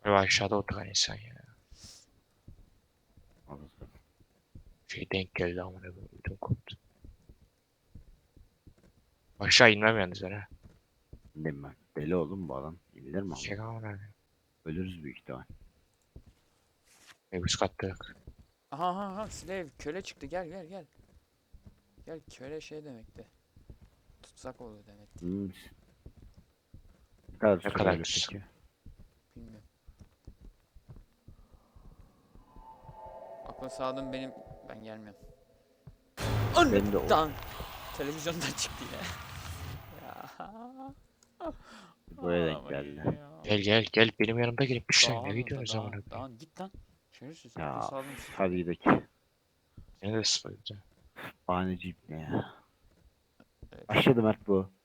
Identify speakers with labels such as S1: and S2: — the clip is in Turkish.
S1: Ve aşağıda oturan insan ya.
S2: Anladım.
S1: Şey denk geldi amına koyayım. Ödüm koptu. Aşağı inmem yalnız ben ha.
S2: Bilmiyorum ben. Deli oğlum bu adam. İndir mi ama?
S1: Şey amına koyayım.
S2: Ölürüz büyük ihtimal.
S1: Üst katta yok.
S3: Aha aha aha slave köle çıktı gel gel gel. Gel köle şey demekti. Tutsak oldu demekti.
S2: Hmm. Ne kadar
S1: Ne
S2: süre
S1: kadar
S2: öyle
S1: tutsak?
S2: peki?
S3: Bilmiyorum. Akıl sağlığım benim ben gelmiyorum.
S2: Ben de o.
S3: Anıdan televizyondan çıktı yine. Ya.
S2: Buraya denk
S3: Ağlamayın
S2: geldi.
S3: ya.
S1: Gel gel gel benim yanımda gelip bir sen ne
S3: Dağın orada
S1: gidiyorsunuz amına
S3: dağın.
S1: koyayım.
S3: Dağın git lan. Şerefsiz akıl
S2: Ya
S3: sağlığım sıfır.
S2: hadi gidelim.
S1: Seni de sıfırdı.
S2: Bahaneci ne ya?
S3: Evet.
S2: Aşağıda Mert bu.